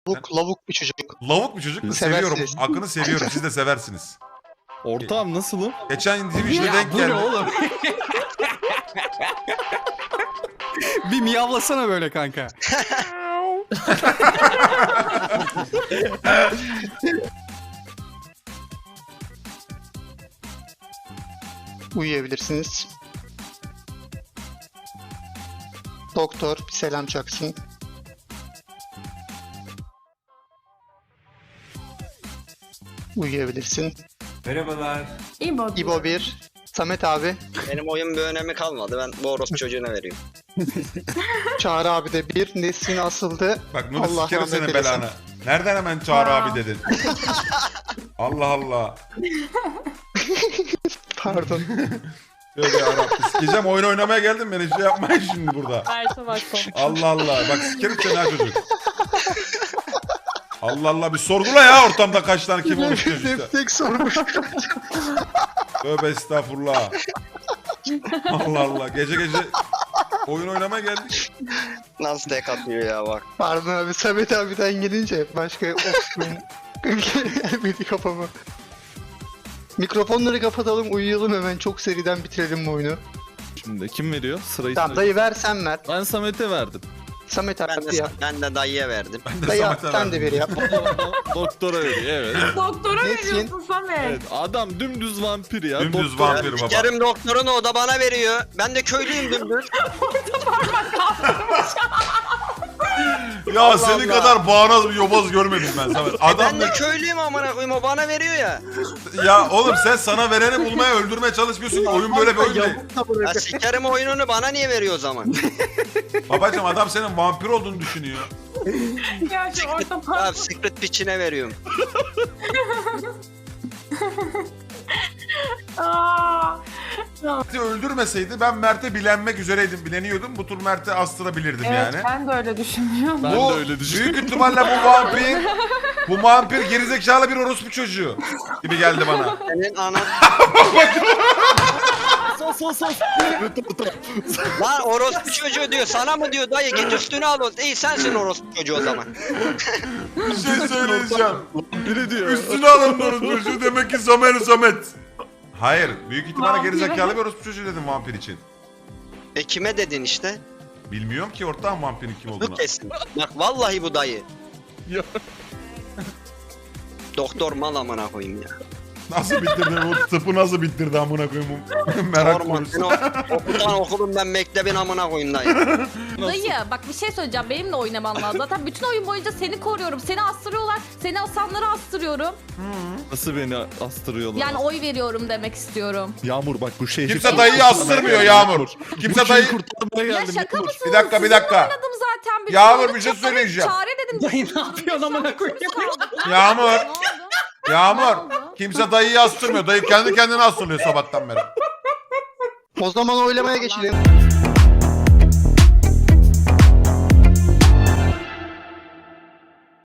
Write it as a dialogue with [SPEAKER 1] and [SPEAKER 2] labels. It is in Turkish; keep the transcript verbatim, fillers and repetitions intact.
[SPEAKER 1] Lavuk, lavuk bir çocuk.
[SPEAKER 2] Lavuk bir çocuk mu?
[SPEAKER 1] Seversiniz.
[SPEAKER 2] Seviyorum. Akını seviyorum. Siz de seversiniz.
[SPEAKER 3] Ortağım nasılım?
[SPEAKER 2] Geçen Division'a
[SPEAKER 4] Ya
[SPEAKER 2] denk
[SPEAKER 4] bu ne
[SPEAKER 2] geldi.
[SPEAKER 4] oğlum? Bir miyavlasana böyle kanka.
[SPEAKER 1] Uyuyabilirsiniz. Doktor bir selam çaksın. Uyuyabilirsin.
[SPEAKER 5] Merhabalar.
[SPEAKER 6] İbo.
[SPEAKER 1] İbo bir. Samet abi.
[SPEAKER 7] Benim oyun bir önemi kalmadı. Ben bu orospu çocuğuna veriyorum.
[SPEAKER 1] Çağrı abi de bir. Nesrin asıldı.
[SPEAKER 2] Bak Nuri
[SPEAKER 1] Allah
[SPEAKER 2] sikerim
[SPEAKER 1] rahmet
[SPEAKER 2] senin
[SPEAKER 1] eylesin.
[SPEAKER 2] belanı. Nereden hemen Çağrı
[SPEAKER 6] Aa.
[SPEAKER 2] abi dedin? Allah Allah.
[SPEAKER 1] Pardon.
[SPEAKER 2] Tövbe yarabbim. Sikeceğim, oyun oynamaya geldim, beni şey yapmayın şimdi burada.
[SPEAKER 6] Mert'e bak komik.
[SPEAKER 2] Allah Allah. Bak sikerim seni ha çocuk. Allah Allah, bir sorgula ya ortamda kaç tane kim olmuş diyor işte.
[SPEAKER 1] Tek tek sormuş.
[SPEAKER 2] Tövbe estağfurullah. Allah Allah. Gece gece oyun oynamaya geldik.
[SPEAKER 7] Nasıl tek atıyor ya bak.
[SPEAKER 1] Pardon abi, Samet abiden gelince başka opsiyon gelmedi kafama. Mikrofonları kapatalım, uyuyalım hemen, çok seriden bitirelim bu oyunu.
[SPEAKER 3] Şimdi kim veriyor? Sırayı
[SPEAKER 1] Tamam
[SPEAKER 3] söyle.
[SPEAKER 1] dayı ver, sen ver.
[SPEAKER 3] Ben Samet'e verdim.
[SPEAKER 1] Samet
[SPEAKER 7] Ben
[SPEAKER 1] abi
[SPEAKER 7] de,
[SPEAKER 1] yap.
[SPEAKER 7] ben de dayıya verdim.
[SPEAKER 2] Ben de
[SPEAKER 1] Dayı
[SPEAKER 2] Samet'e
[SPEAKER 1] sen de
[SPEAKER 2] verdim.
[SPEAKER 1] ver yap.
[SPEAKER 3] Doktora veriyor evet.
[SPEAKER 6] Doktora
[SPEAKER 1] Nesin?
[SPEAKER 6] veriyorsun Samet.
[SPEAKER 3] Evet adam dümdüz vampir ya.
[SPEAKER 2] Dümdüz
[SPEAKER 3] Doktor-
[SPEAKER 2] vampir baba.
[SPEAKER 7] Sikerim doktorunu, o da bana veriyor. Ben de köylüyüm dümdüz.
[SPEAKER 2] Ya
[SPEAKER 7] Allah
[SPEAKER 2] senin
[SPEAKER 7] Allah.
[SPEAKER 2] kadar bağnaz bir yobaz görmedim ben Samet. Adam
[SPEAKER 7] Ben de köylüyüm amına koyayım, o bana veriyor ya.
[SPEAKER 2] ya oğlum sen sana vereni bulmaya, öldürmeye çalışmıyorsun ki, oyun böyle bir oyun değil.
[SPEAKER 7] Ya sikerim oyununu, bana niye veriyor o zaman?
[SPEAKER 2] Babacım adam senin vampir olduğunu düşünüyor.
[SPEAKER 6] Ya şu orta
[SPEAKER 7] Ya
[SPEAKER 6] parmak.
[SPEAKER 7] secret piçine veriyorum.
[SPEAKER 6] Aa.
[SPEAKER 2] Mert'i öldürmeseydi ben Mert'e bilenmek üzereydim, bileniyordum. Bu tur Mert'i astırabilirdim
[SPEAKER 6] Evet
[SPEAKER 2] yani.
[SPEAKER 6] ben de öyle düşünüyorum.
[SPEAKER 3] Ben
[SPEAKER 2] Bu
[SPEAKER 3] de öyle düşünüyorum.
[SPEAKER 2] büyük ihtimalle bu vampir, bu vampir gerizekalı bir orospu çocuğu gibi geldi bana.
[SPEAKER 7] Senin anan...
[SPEAKER 3] Sos sos sos.
[SPEAKER 7] Lan orospu çocuğu diyor, sana mı diyor dayı, git üstüne al o. İyi sensin orospu çocuğu o zaman.
[SPEAKER 2] Bir şey söyleyeceğim.
[SPEAKER 3] Biri diyor.
[SPEAKER 2] Üstüne alın orospu çocuğu, demek ki Samet Samet. Hayır, büyük ihtimalle
[SPEAKER 6] Vampir.
[SPEAKER 2] gerizekalı bir orospu çocuğu dedim vampir için.
[SPEAKER 7] E kime dedin işte?
[SPEAKER 2] Bilmiyorum ki ortağım vampirin kim
[SPEAKER 7] Bu
[SPEAKER 2] olduğunu.
[SPEAKER 7] kesin. Bak vallahi bu dayı.
[SPEAKER 3] Ya.
[SPEAKER 7] Doktor mal amına koyayım ya.
[SPEAKER 2] Nasıl bitirdi bu tıpı, nasıl bitirdi amına koyayım bu merak
[SPEAKER 7] Sorma,
[SPEAKER 2] konusu.
[SPEAKER 7] sen o, okuldan okulum ben, mektebin amına koyayım dayı.
[SPEAKER 6] Dayı bak bir şey söyleyeceğim, benimle oynaman lazım. Zaten bütün oyun boyunca seni koruyorum. Seni astırıyorlar. Seni asanları astırıyorum.
[SPEAKER 3] Nasıl beni astırıyorlar?
[SPEAKER 6] Yani oy veriyorum demek istiyorum.
[SPEAKER 3] Yağmur bak bu şey.
[SPEAKER 2] Kimse dayıyı astırmıyor Yağmur. Kimse dayı...
[SPEAKER 3] kurtarmaya
[SPEAKER 6] Ya
[SPEAKER 3] geldim.
[SPEAKER 6] şaka
[SPEAKER 3] Yağmur.
[SPEAKER 6] mısınız?
[SPEAKER 2] Bir dakika, bir dakika.
[SPEAKER 6] Oynadım zaten. bütün
[SPEAKER 2] Yağmur,
[SPEAKER 6] oyunu.
[SPEAKER 2] bir şey
[SPEAKER 6] Evet,
[SPEAKER 2] söyleyeceğim.
[SPEAKER 6] Çare dedim.
[SPEAKER 4] Dayı ne yapıyorsun amına koyayım?
[SPEAKER 2] Yağmur,
[SPEAKER 6] Ne oldu? Ne
[SPEAKER 2] Yağmur.
[SPEAKER 6] oldu?
[SPEAKER 2] Kimse dayıyı astırmıyor. Dayı kendi kendine astırıyor sabahtan beri.
[SPEAKER 1] O zaman oylamaya geçelim.